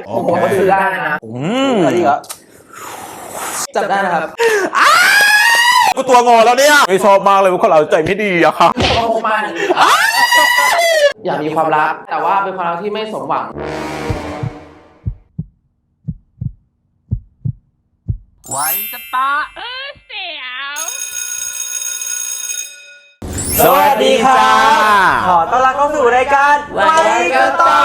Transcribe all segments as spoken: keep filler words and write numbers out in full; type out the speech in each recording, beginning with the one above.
ผมก็ซื้อได้นะอืมอะไรเหรอจับได้นะครับกูตัวงอแล้วเนี่ยไม่ชอบมากเลยคนเราใจไม่ดีอะค่ะอยากมีความรักแต่ว่าเป็นความรักที่ไม่สมหวังไว้จะตาเออเสียวสวัสดีค่ะขอต้อนรับเข้าสู่รายการไว้กันต่อ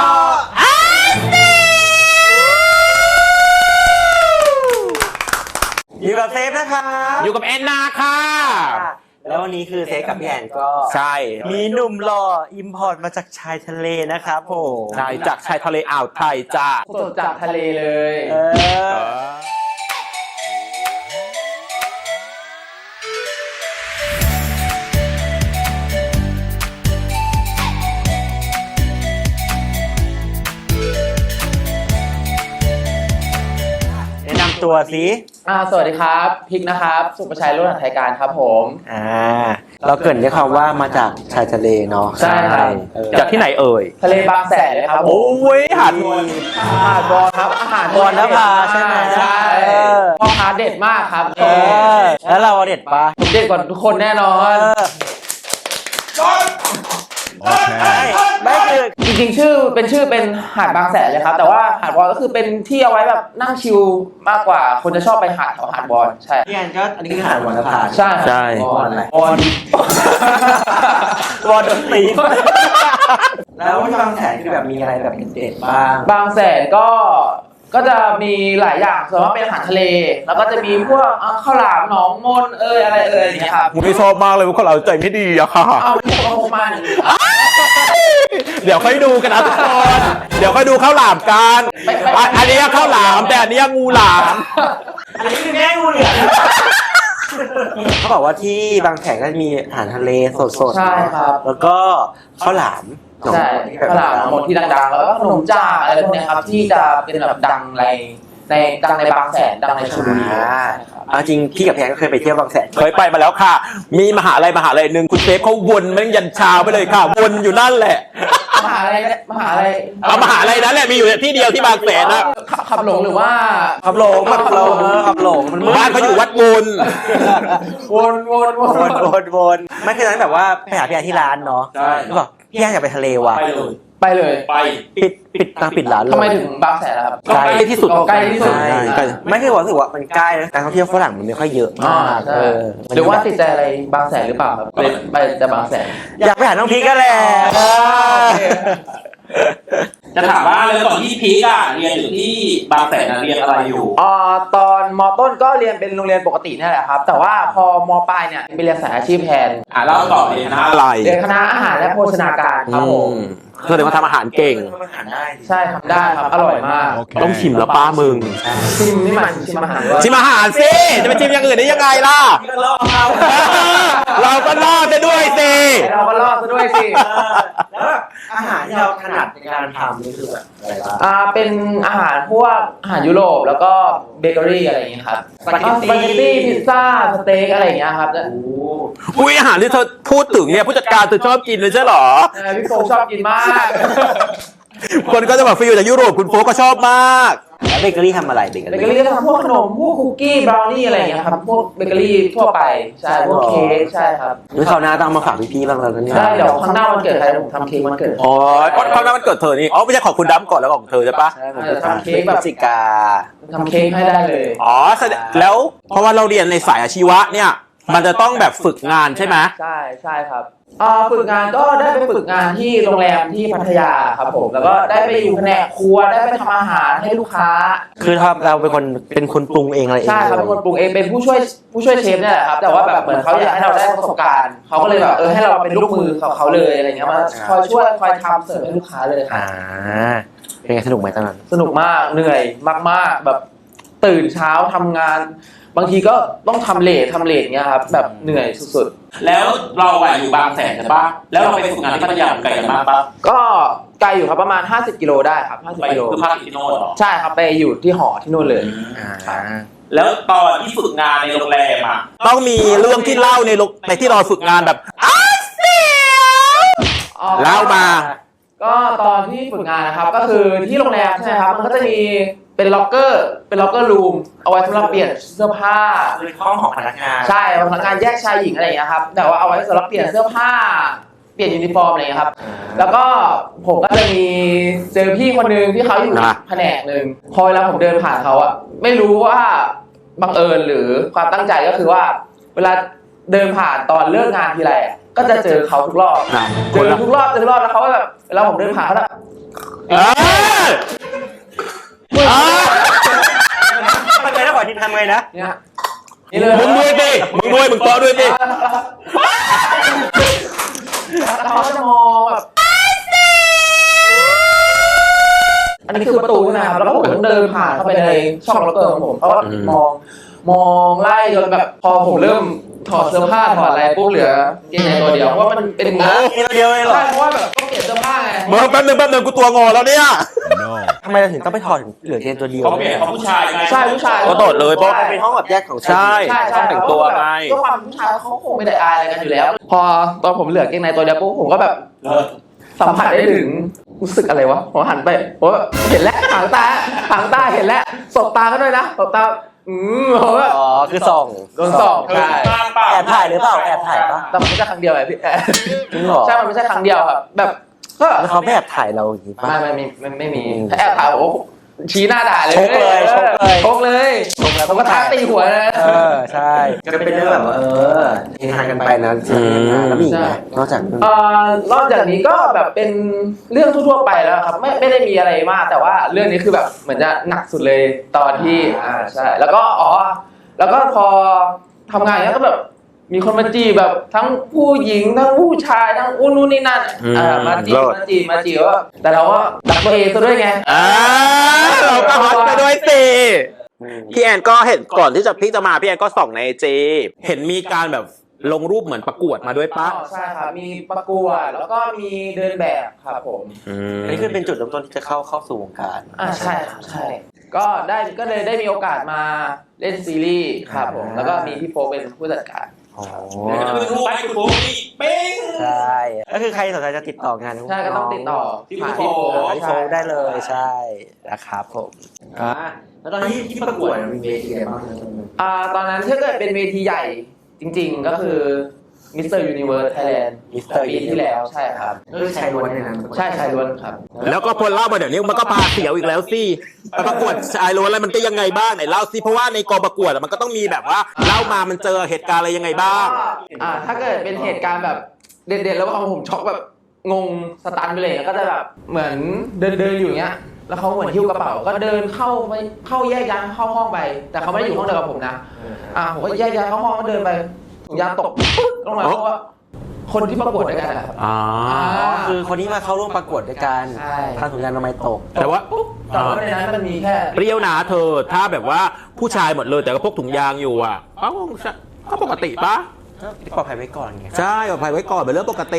อยู่กับเซฟนะคะอยู่กับแอนนาค่ะแล้ววันนี้คือเซฟกับพี่แอนก็ใช่มีหนุ่มหล่ออิมพอร์ตมาจากชายทะเลนะครับผมใช่จากชายทะเลอ่าวไทยจ้าสดจากทะเลเลยเออตัวสิอ่าสวัสดีครับพิกนะครับสุประชัยรุ่นไทยการครับผมอ่าเราเกริ่นด้วยคำว่ามาจากชายทะเลเนาะใช่ครับจากที่ไหนเอ่ยทะเลบางแสนเลยครับโอ้ยหาดบอลหาดบอลครับอาหารบอลนภาใช่ไหมใช่พ่อค้าเด็ดมากครับเออแล้วเราเด็ดปะผมเด็ดกว่าทุกคนแน่นอนไม่คือจริงๆชื่อเป็นชื่อเป็นหาดบางแสนเลยครับแต่ว่าหาดบอลก็คือเป็นที่เอาไว้แบบนั่งชิลมากกว่าคนจะชอบไปหาดแถวหาดบอลใช่พี่แอนก็อันนี้คือหาดบอลนภาใช่ใช่บอลอะไรบอลบอลดนตรีแล้วที่บางแสนคือแบบมีอะไรแบบเด็ดบ้างบางแสนก็ก็จะมีหลายอย่างส่วนมากเป็นอาหารทะเลแล้วก็จะมีพวกข้าวหลามหนองมนเอยอะไรเอยอย่างเงี้ยครับผมไม่ชอบมากเลยคนเราใจไม่ดีอะค่ะเอาไม่ต้องโกมาเดี๋ยวค่อยดูกันนะทุกคนเดี๋ยวค่อยดูข้าวหลามกันอันนี้ข้าวหลามแต่อันนี้งูหลามอันนี้คือแม่งูเหลือมเขาบอกว่าที่บางแสนก็มีอาหารทะเลสดๆใช่ครับแล้วก็ข้าวหลามใช่ข้าวหลามหมดที่ดังๆแล้วก็ขนมจ้าอะไรพวกนี้ครับที่จะเป็นแบบดังในในดังในบางแสนดังในชลบุรีเอาจริงพี่กับแพนก็เคยไปเที่ยวบางแสนเคยไปมาแล้วค่ะมีมหาลัยมหาลัยหนึ่งคุณเซฟเขาวนแม่งยันเช้าไปเลยค่ะวนอยู่นั่นแหละมหาลัยมหาลัยเอามหาลัยนั้นแหละมีอยู่ที่เดียวที่บางแสนนะขับหลงหรือว่าขับหลงขับหลงขับหลงบ้านเขาอยู่วัดบุญวนวนวนวนวนไม่คือนั้นแบบว่าไปหาพี่แอนที่ร้านเนาะแล้วบอกพี่แอนอยากไปทะเลว่ะไปเลยไปปิดปิดตั้งปิดร้านเลยทำไมถึงบางแสนล่ะครับใกล้ที่สุดใกล้ที่สุดไม่คือรู้สึกว่ามันใกล้นะการท่องเที่ยวฝรั่งมันไม่ค่อยเยอะมากเออหรือว่าติดใจอะไรบางแสนหรือเปล่าครับไปแต่บางแสนอยากไปหาน้องพีก็แหละจะถามว่าเลยก่อนที่พีกอะเรียนอยู่ที่บางแสนเรียนอะไรอยู่อ่าตอนม.ต้นก็เรียนเป็นโรงเรียนปกตินี่แหละครับแต่ว่าพอม.ปลายเนี่ยไปเรียนสายอาชีพแทนอ่าเล่าต่อเรียนคณะอะไรเรียนคณะอาหารและโภชนาการครับผมคือเดี๋ยวมาทำอาหารเก่งใช่ทำได้ครับอร่อยมากต้องชิมแล้วป้ามึงชิมนี่มันชิมอาหารชิมอาหารสิจะไปชิมอย่างอื่นได้ยังไงล่ะเราก็รอดได้ด้วยสิเราก็รอดด้วยสิแล้วอาหารที่เราถนัดในการทำนี่คือแบบอะไรบ้างอ่าเป็นอาหารพวกอาหารยุโรปแล้วก็เบเกอรี่อะไรอย่างเงี้ยครับสปาเกตตี้พิซซ่าสเต็กอะไรอย่างเงี้ยครับอุ้ยอาหารที่เธอพูดถึงเนี่ยผู้จัดการเธอชอบกินเลยใช่หรอพี่โฟชอบกินมากคนก็จะแบบฟิลจากยุโรปคุณโฟก็ชอบมากแล้วเบเกอรี่ทำอะไรเบเกอรี่เบเกอรี่ก็ทำพวกขนมพวกคุกกี้บราวนี่อะไรอย่างเงี้ยครับพวกเบเกอรี่ทั่วไปใช่พวกเค้กใช่ครับนี่คราวหน้าต้องมาฝากพี่ๆบ้างแล้วเนี่ยใช่เดี๋ยวครั้งหน้าวันเกิดใครผมทำเค้กวันเกิดอ๋อคราวหน้าวันเกิดเธอนี่อ๋อไม่ใช่ของคุณดำก่อนแล้วของเธอใช่ปะใช่ผมจะทำเค้กแบบจิกาทำเค้กให้ได้เลยอ๋อแล้วเพราะว่าเราเรียนในสายอาชีวะเนี่ยมันจะต้องแบบฝึกงานใช่ไหมใช่ใช่ครับอ่าฝึกงานก็ได้ไปฝึกงานที่โรงแรมที่พัทยาครับผมแล้วก็ได้ไปอยู่แผนกครัวได้ไปทำอาหารให้ลูกค้าคือทำเราเป็นคนเป็นคนปรุงเองอะไรเองใช่ครับเป็นคนปรุงเองเป็นผู้ช่วยผู้ช่วยเชฟเนี่ยแหละครับแต่ว่าแบบเหมือนเขาอยากให้เราได้ประสบการณ์เขาก็เลยแบบเออให้เราเป็นลูกมือของเขาเลยอะไรเงี้ยมาคอยช่วยคอยทำเสิร์ฟให้ลูกค้าเลยอ่าเป็นไงสนุกไหมตอนนั้นสนุกมากเหนื่อยมากๆแบบตื่นเช้าทำงานบางทีก็ต้องทำเลททำเลทเงี้ยครับแบบเหนื่อยสุดๆแล้วเราอะอยู่บางแสนใช่ปะแล้วเราไปฝึกงานที่พัทยาไกลกันมากปะก็ไกลอยู่ครับประมาณห้าสิบกิโลได้ครับห้าสิบกิโลคือพักที่โน่นเหรอใช่ครับไปอยู่ที่หอที่โน่นเลยแล้วตอนที่ฝึกงานในโรงแรมอะต้องมีเรื่องที่เล่าในในที่เราฝึกงานแบบอ้าวเสียวเล่ามาก็ตอนที่ฝึกงานนะครับก็คือที่โรงแรมใช่ไหมครับมันก็จะมีเป็นล็อกเกอร์เป็นล็อกเกอร์รูมเอาไว้สำหรับเปลี่ยนเสื้อผ้าคือห้องของพนักงานใช่พนักงานแยกชายหญิงอะไรอย่างเงี้ยครับแต่ว่าเอาไว้สำหรับเปลี่ยนเสื้อผ้าเปลี่ยนยูนิฟอร์มอะไรอย่างเงี้ยครับแล้วก็ผมก็จะมีเจอพี่คนนึงที่เขาอยู่แผนกหนึ่งพอเวลาผมเดินผ่านเขาอะไม่รู้ว่าบังเอิญหรือความตั้งใจก็คือว่าเวลาเดินผ่านตอนเลิกงานทีไรอะก็จะเจอเขาทุกรอบเจอทุกรอบเจอทุกรอบแล้วเขาก็แบบเวลาผมเดินผ่านเขาแบบเออเออทำไงนะขอทีทำไงนะเนี่ยนี่เลยมึงด้วยสิมึงด้วยมึงต่อด้วยสิแล้วเขาก็จะมองแบบอันนี้คือประตูนะครับแล้วผมต้องเดินผ่านเข้าไปในช่องล็อกเกอร์ของผมเขาก็มองมองไล่จนแบบพอผมเริ่มถอดเสื้อผ้าถอดอะไรปุ๊บเหลือเกงในตัวเดียวเพราะว่ามันเป็นงานนี่เราเดียวเลยเหรอใช่เพราะว่าแบบต้องเก็บเสื้อผ้าไงมึงแป๊บนึงแป๊บนึงกูตัวงอแล้วเนี่ยทำไมเราถึงต้องไปถอดเหลือเกงตัวเดียวเขาเปลี่ยนเขาผู้ชายไงใช่ผู้ชายก็โดดเลยเพราะมันเป็นห้องแบบแยกของใช่ใช่ใช่ต้องแต่งตัวไงด้วยความผู้ชายเขาคงไม่ได้อายอะไรกันอยู่แล้ว พอตอนผมเหลือเกงในตัวเดียวปุ๊บผมก็แบบเออสัมผัสได้ถึงรู้สึกอะไรวะผมหันไปผมแบบเห็นแล้วหางตาหางตาเห็นแล้วสบตาก็ด้วยนะสบตาอืมผมแบบอ๋อคือส่องโดนส่องเออใช่มากเปล่าแอบถ่ายหรือเปล่าแอบถ่ายปะแต่มันไม่ใช่ครั้งเดียวไงพี่จริงเหรอใช่มันไม่ใช่ครั้งเดียวครับแบบก็แล้วเขาไม่แอบถ่ายเราอย่างนี้ปะไม่ไม่มีไม่ไม่มีถ้าแอบถ่ายผมชี้หน้าด่าเลยชกเลยชกเลยชกเลยผมก็ท้าตีหัวนะเออใช่ก็เป็นเรื่องแบบว่าเออเฮฮากันไปนะแล้วมีอีกไหมนอกจากเอ่อนอกจากนี้ก็แบบเป็นเรื่องทั่วๆไปแล้วครับไม่ไม่ได้มีอะไรมากแต่ว่าเรื่องนี้คือแบบเหมือนจะหนักสุดเลยตอนที่อ่าใช่แล้วก็อ๋อแล้วก็พอทำงานอย่างเงี้ยก็แบบมีคนมาจีบแบบทั้งผู้หญิงทั้งผู้ชายทั้งอุ้นนู่นนี่นั่นอ่ามาจีบมาจีบมาจีบว่าแต่เราก็รักตัวเองซะด้วยไงอ่าเราก็ฮอตไปด้วยสิพี่แอนก็เห็นก่อนที่จะพี่จะมาพี่แอนก็ส่องในไอจีเห็นมีการแบบลงรูปเหมือนประกวดมาด้วยปะอ๋อใช่ครับมีประกวดแล้วก็มีเดินแบบครับผมอันนี้คือเป็นจุดเริ่มต้นที่จะเข้าเข้าสู่วงการอ่าใช่ครับใช่ก็ได้ก็เลยได้มีโอกาสมาเล่นซีรีส์ครับผมแล้วก็มีพี่โฟเป็นผู้จัดการอ๋อเดี๋ยวจะไปรูปให้คุณปุ๊กนี่เป้งใช่ก็คือใครสนใจจะติดต่องานใช่ก็ต้องติดต่อที่ผ่านพี่พี่โฟโฟพี่โฟได้เลยใช่นะครับผมอ่าแล้วตอนนี้ที่ประกวดมีเวทีอะไรบ้างอ่าตอนนั้นถ้าเกิดเป็นเวทีใหญ่จริง ๆ ก็คือมิสเตอร์ยูนิเวิร์สไทยแลนด์ปีที่แล้วใช่ครับก็คือชายล้วนเนี่ยนะใช่ชายล้วนครับแล้วก็พอเล่ามาเดี๋ยวนี้มันก็พาเสียวอีกแล้วสิไปประกวดชายล้วนแล้วมันก็ยังไงบ้างไหนเล่าสิเพราะว่าในกองประกวดอะมันก็ต้องมีแบบว่าเล่ามามันเจอเหตุการณ์อะไรยังไงบ้างอ่าถ้าเกิดเป็นเหตุการณ์แบบเด่นๆแล้วเอาผมช็อกแบบงงสตันไปเลยก็จะแบบเหมือนเดินเดินอยู่อย่างเงี้ยแล้วเขาเหมือนหิ้วกระเป๋าก็เดินเข้าไปเข้าแยกย้ายเข้าห้องไป แต่เขาไม่ได้อยู่ห้องเดียวกับผมนะอ่าผมก็แยกย้ายเข้าห้องก็เดินไปถุงยางตกปึ๊กลงมาเพราะว่าคนที่ประกวดด้วยกันนะครับอ่าคือคนที่มาเข้าร่วมประกวดด้วยกันใช่ทางถุงยางอนามัยตกแต่ว่าแต่ว่าในนั้นมันมีแค่เปรี้ยวนะเธอถ้าแบบว่าผู้ชายหมดเลยแต่ก็พกถุงยางอยู่อ่ะเอ้าก็ปกติปะที่ปลอดภัยไว้ก่อนไงใช่ปลอดภัยไว้ก่อนเป็นเรื่องปกติ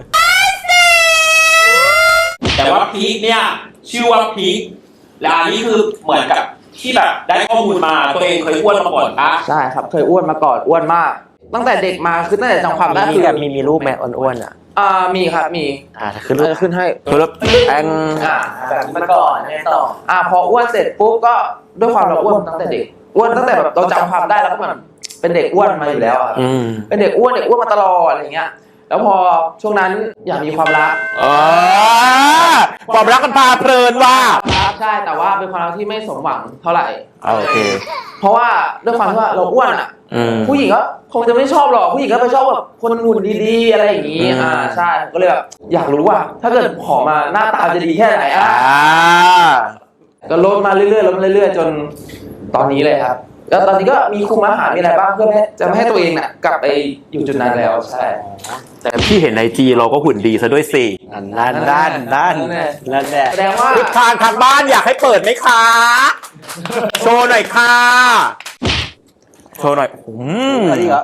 แต่ว่าพีคเนี่ยชื่อว่าพีคและอันนี้คือเหมือนกับที่แบบได้ข้อมูลมาตัวเองเคยอ้วนมาก่อนปะใช่ครับเคยอ้วนมาก่อนอ้วนมาก ตั้งแต่เด็กมาคือตั้งแต่จำความได้มีคือแบบมีมีรูปแม่อ้วนๆอ่ะอ่ามีครับมีอ่าคือรูปจะขึ้นให้คือแล้วแองอ่าแบบนี้มาก่อนแน่ต่ออ่าพออ้วนเสร็จปุ๊บก็ด้วยความเราอ้วนตั้งแต่เด็กอ้วนตั้งแต่แบบเราจำความได้แล้วก็เหมือนเป็นเด็กอ้วนมาอยู่แล้วอะอืมเป็นเด็กอ้วนเด็กอ้วนมาตลอดอะไรอย่างเงี้ยแล้วพอช่วงนั้นอยากมีความรักอ๋อความรักมันพาเพลินว่ะครับใช่แต่ว่าเป็นความรักที่ไม่สมหวังเท่าไหร่โอเคเพราะว่าด้วยความที่ว่าเราอ้วนอ่ะอืมผู้หญิงก็คงจะไม่ชอบหรอกผู้หญิงก็ไปชอบแบบคนหุ่นดีๆอะไรอย่างงี้อืมอ่าใช่ก็เลยแบบอยากรู้ว่า ถ้าเกิดขอมาหน้าตาจะดีแค่ไหนอ่ะอ่าก็ลดมาเรื่อยๆลดมาเรื่อยๆจนตอนนี้เลยครับแล้วตอนนี้ก็มีคุมอาหารมีอะไรบ้างเพื่อให้จะไม่ให้ตัวเองน่ะกลับไปอยู่จุดนั้นแล้วใช่แต่พี่เห็นในจีเราก็หุ่นดีซะด้วยสินั่นด้านด้านนั่นแหละแสดงว่าทิศทางทางบ้านอยากให้เปิดไหมคะ โชว์หน่อยค่ะ โชว์หน่อยอืมอะไรเหรอ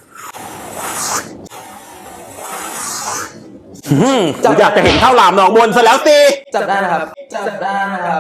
อืมอยากจะเห็นข้าวหลามหนองมนซะแล้วสิจับได้นะครับจับได้นะครับ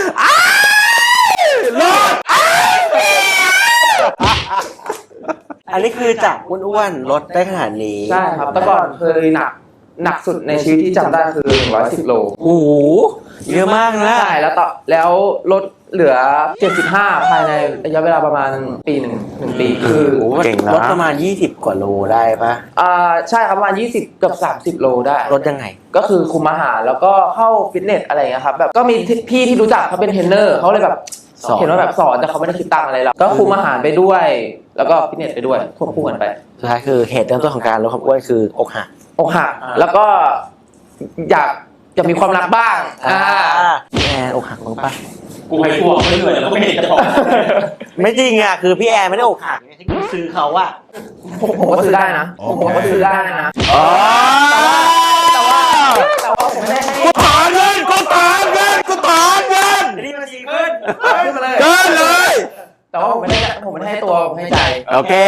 เลิศอัอันนี้คือจากอ้วนๆลดได้ขนาดนี้ใช่ครับแต่ก่อนเคยหนักหนักสุดในชีวิตที่จำได้คือหนึ่งร้อยสิบโลโอ้โหเยอะมากนะใช่แล้วต่อแล้วลดเหลือเจ็ดสิบห้าภายในระยะเวลาประมาณปีหนึ่งหนึ่งปีคือโอ้โหเก่งนะลดประมาณยี่สิบกว่าโลได้ปะอ่าใช่ครับประมาณยี่สิบเกือบสามสิบโลได้ลดยังไงก็คือคุมอาหารแล้วก็เข้าฟิตเนสอะไรอย่างเงี้ยครับแบบก็มีพี่ที่รู้จักเขาเป็นเทรนเนอร์เขาเลยแบบสอนเห็นว่าแบบสอนแต่เขาไม่ได้คิดตังค์อะไรหรอกก็คุมอาหารไปด้วย แล้วก็ฟิตเนสไปด้วยควบคู่กันไปสุดท้ายคือเหตุเริ่มต้นของการลดความอ้วนคืออกหักอกหักแล้วก็อยากจะมีความรักบ้างอ่าพี่แอนอกหักบ้างปะกูให้พวกไม่เหนื่อยแล้วก็ไม่เห็นจะบอกไม่จริงอ่ะคือพี่แอนไม่ได้อกหักที่กูซื้อเขาอะผมผมก็ซื้อได้นะผมผมก็ซื้อได้นะอ๋อแต่ว่าแต่ว่าผมไม่ได้ให้กูถอนเงินกูถอนเงินกูถอนเงินนี่มันสีขึ้นขึ้นมาเลยเกินเลยแต่ว่าผมไม่ได้ผมไม่ได้ให้ตัวผมให้ใจโอเค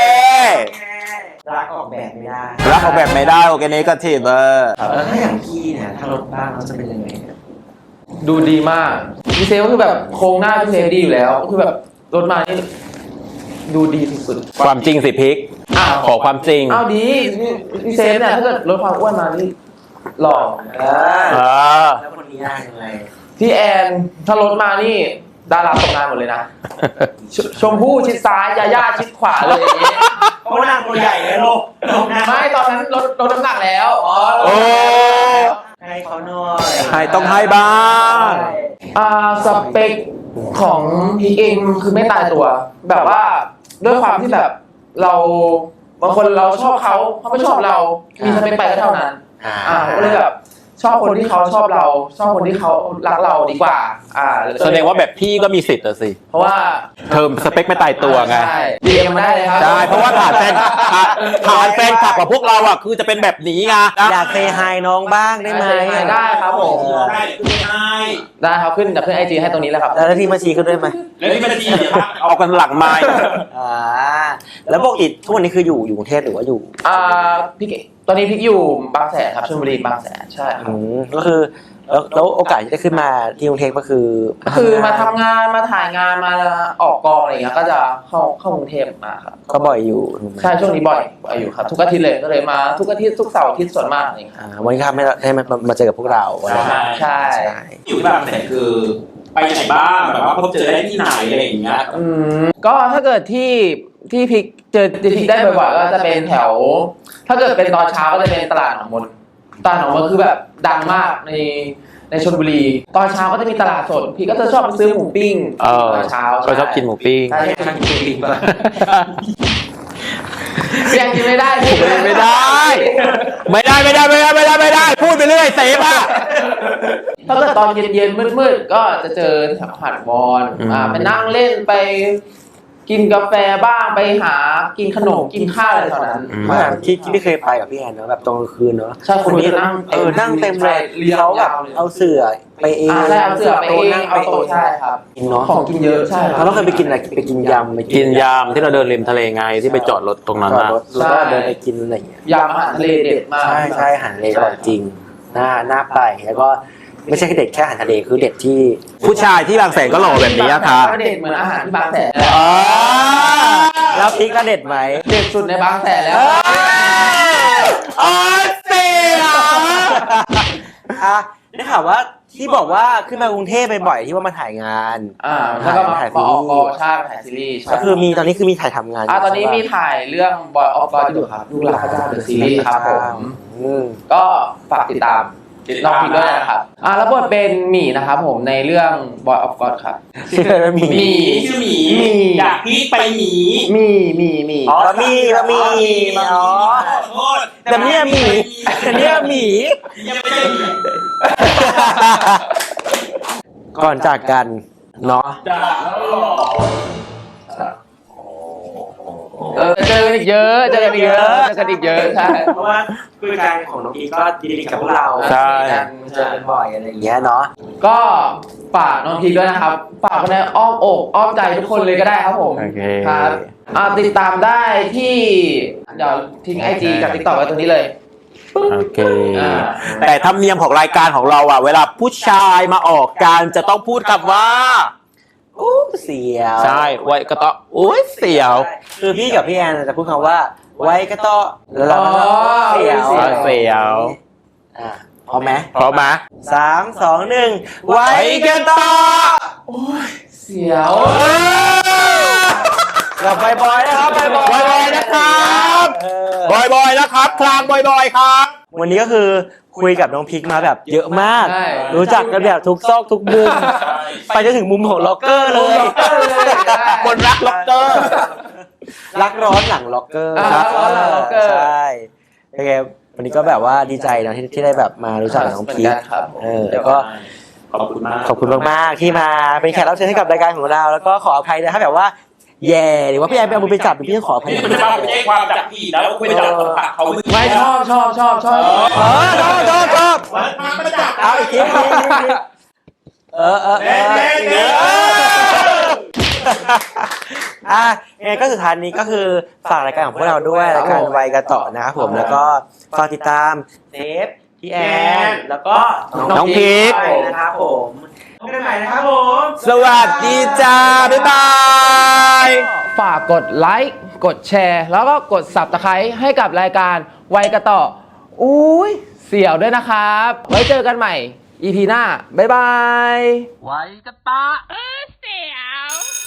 รักออกแบบไม่ได้รักออกแบบไม่ได้โอเคนี้ก็ทีเบอร์แล้วถ้าอย่างพี่เนี่ยถ้าลดบ้างเราจะเป็นยังไงดูดีมากพี่เซฟก็คือแบบโครงหน้าพี่เซฟดีอยู่แล้วก็คือแบบรถมานี่ดูดีสุดความจริงสิพิกๆอ้าวขอความจริงอ้าวดีพี่เซฟเนี่ยถ้าเกิดลดความอ้วนมานี่หล่อเอเอออแล้วคนนี้ได้ยังไงพี่แอนถ้าลดมานี่ดาราตกงานหมดเลยนะชชมพู่ชิดซ้ายยาย่าชิดขวาเลยอย่างงี้เพราะว่านางตัวใหญ่เลยลูกลงนะไม่ตอนนั้นลดลดน้ำหนักแล้วอ๋อลดโอ้น้ำหนักแล้วให้เขาหน่อยให้ต้องให้บ้างอ่าสเปคของพีเองคือไม่ตายตัว แบบว่าด้วยความที่แบบเราบางคนเราชอบเขาเขาไม่ชอบเรา มีสเปคไปก็เท่านั้นอ่าอ่าก็เลยแบบชอบคนที่เขาชอบเรา ชอบคนที่เขารักเราดีกว่า อ่าแสดงว่าแบบพี่ก็มีสิทธิ์อะสิเพราะว่าเทอมสเปคไม่ตายตัวไงใช่ดีเอ็มมาได้เลยครับใช่เพราะว่าฐานแฟนฐานแฟนคลับของพวกเราอ่ะคือจะเป็นแบบนี้ไงอยากเซฮายน้องบ้างได้ไหมได้ครับผมได้คือไม่ให้ได้ครับขึ้นจากขึ้นไอจีให้ตรงนี้แล้วครับแล้วที่มาชีขึ้นด้วยไหมแล้วที่บัญชีเนี่ยพักเอากันหลังไม้อ่าแล้วปกติทุกวันนี้คืออยู่อยู่กรุงเทพหรือว่าอยู่อ่าพี่เก๋ตอนนี้พี่อยู่บางแสนครับชลบุรีบางแสนใช่ครับอืมก็คือแล้วแล้วโอกาสที่จะขึ้นมาที่กรุงเทพก็คือคือมาทำงานมาถ่ายงานมาออกกองอะไรอย่างเงี้ยก็จะเข้าเข้ากรุงเทพมาครับก็บ่อยอยู่ถูกไหมใช่ช่วงนี้บ่อยบ่อยอยู่ครับทุกอาทิตย์เลยก็เลยมาทุกอาทิตย์ทุกเสาร์อาทิตย์ส่วนมากอะไรอย่างเงี้ยอ่าวันนี้ครับไม่ได้มามาเจอกับพวกเราวันนี้ใช่ใช่อยู่ที่บางแสนคือ ไปไหนบ้างแบบว่าพบเจอได้ที่ไหนอะไรอย่างเงี้ยอืมก็ถ้าเกิดที่ที่พิกเจอที่พิกได้บ่อยๆก็จะเป็นแถว ถ้าเกิดเป็นตอนเช้าก็จะเป็นตลาดหนองมนตลาดหนองมนคือแบบดังมากในในชลบุรี ตอนเช้าก็จะมีตลาดสดพี่ก็จะชอบไปซื้อหมูปิ้งเออตอนเช้าก็ชอบกินหมูปิ้งใช่ใช่กินปิ้งป่ะยังกินไม่ได้พี่ไม่ได้ ไม่ได้ไม่ได้ไม่ได้ไม่ได้ไม่ได้ พูดไปเรื่อยเสพอ่ะถ้าเกิดตอนเย็นๆมืดๆก็จะเจอแถวหาดวอนอืมอ่าไปนั่งเล่นไปกินกาแฟบ้างไปหากินขนมกินข้าวอะไรแถวนั้นเมื่อที่ที่ไม่เคยไปกับพี่แอนเนอะแบบตอนกลางคืนเนอะใช่คนนี้นั่งเออนั่งเต็มเลยเรียงเขาแบบยาวเลยเอาเสื่อไปเองอ่าใช่เอาเสือไปเองเอาโต๊ะใช่ครับกินเนาะของกินเยอะใช่คเรารับต้องเคยไปกินอะไรไปกินยำไปกินยามที่เราเดินริมทะเลไงที่ไปจอดรถตรงนั้นจอดนะรถแล้วก็เดินไปกินอะไรอย่างเงี้ยยำอาหารทะเลเด็ดมากใช่ใช่อาหารทะเลอร่อยจริงน่าน่าไปแล้วก็ไม่ใช่แค่เด็ดแค่อาหารทะเลคือเด็ดที่ผู้ชายที่บางแสนก็หล่อแบบนี้อะค่ะก็เด็ดเหมือนอาหารที่บางแสนอ๋อแล้วพริกก็เด็ดไหมเด็ดสุดในบางแสนแล้วออสเซียอ่ะได้ข่าวว่าที่บอกว่าขึ้นมากรุงเทพบ่อยๆที่ว่ามาถ่ายงานอ่าแล้วก็มาถ่ายมาออกกองซีรีส์ใช่ถ่ายซีรีส์ใช่ก็คือมีตอนนี้คือมีถ่ายทำงานอ่าตอนนี้มีถ่ายเรื่องบอยออฟกอดอยู่ครับลูกหลานพระเจ้าเดอะซีรีส์ครับผมอืมก็ฝากติดตามน้องพีด้วยนะครับอ่าแล้วบทเป็นหมีนะครับผมในเรื่อง Boy of God ครับชื่ออะไรมีหมีชื่อหมีหมีอยากพีคไปหมีมีมีมีอ๋อบะหมี่บะหมี่อ๋อขอโทษแต่เนี่ยหมีแต่เนี่ยหมียังไม่ใช่หมีก่อนจากกันเนาะจ้าแล้วหรอเออเจอกันอีกเยอะเจอกันอีกเยอะเจอกันอีกเยอะใช่เพราะว่าคือการของน้องอีก็ดีกับพวกเราใช่เจอกันบ่อยอะไรอย่างเงี้ยเนาะก็ฝากน้องพีด้วยนะครับฝากไว้ในอ้อมอกอ้อมใจทุกคนเลยก็ได้ครับผมโอเคครับอ่าติดตามได้ที่เดี๋ยวทิ้งไอจีกับติ๊กต็อกไว้ตรงนี้เลยโอเคอ่าแต่ธรรมเนียมของรายการของเราอ่ะ เวลาผู้ชายมาออกการจะต้องพูดคำว่ากอู้เสียวใช่ไว้กระเตาะอุ้ยเสียวคือพี่กับพี่แอนจะพูดคำว่าไว้กระเตาะแล้วเราก็เสียวเสียวอ่ะพร้อมไหมพร้อมไหมสามสองหนึ่งไว้กระเตาะเสียวกับใบบอยนะครับใบบอยบอยๆนะครับเออบอยบอยนะครับคลางบอยบอยครับวันนี้ก็คือคุยกับน้องพิกมาแบบเยอะมากใช่รู้จักกันแบบทุกซอกทุกมุม ไปจนถึงมุมของล็อกเกอร์เลยล็อกเกอร์เลยใช่คนรักล็อกเกอร์รักร้อนหลังล็อกเกอร์อ่ารักร้อนหลังล็อกเกอร์ใช่โอเควันนี้ก็แบบว่าดีใจนะที่ที่ได้แบบมารู้จักกับน้องพีคเหมือนกันครับเออแล้วก็ขอบคุณมากขอบคุณมากๆที่มาเป็นแขกรับเชิญให้กับรายการของเรา แล้วก็ขออภัยนะถ้าแบบว่าแย่หรือว่าพี่แอนไปเอามือไปจับหรือพี่ต้องขออภัยนี่มันจะมาไม่ใช่ความจากพี่แล้วคุยไปจับปากเขาไม่ชอบชอบชอบชอบเออชอบชอบชอบมันมาไม่จับเอาอีกทีอีกทีอีกทีเออเออเออเอออ่ะเองก็สุดท้ายนี้ก็คือฝากรายการของพวกเราด้วยรายการวัยกระต่อนะครับผมแล้วก็ฝากติดตามเซฟพี่แอนแล้วก็น้องพีคนะครับผมพบกันใหม่นะครับผมสวัสดีจ้า บ๊ายบายฝากกดไลค์กดแชร์ แล้วก็กด ซับสไครบ์ ให้กับรายการไวยกระต่ออุ้ยเสี่ยวด้วยนะครับ ไว้เจอกันใหม่ อี พี หน้า บ๊ายบายไว้กระตาเออเสียว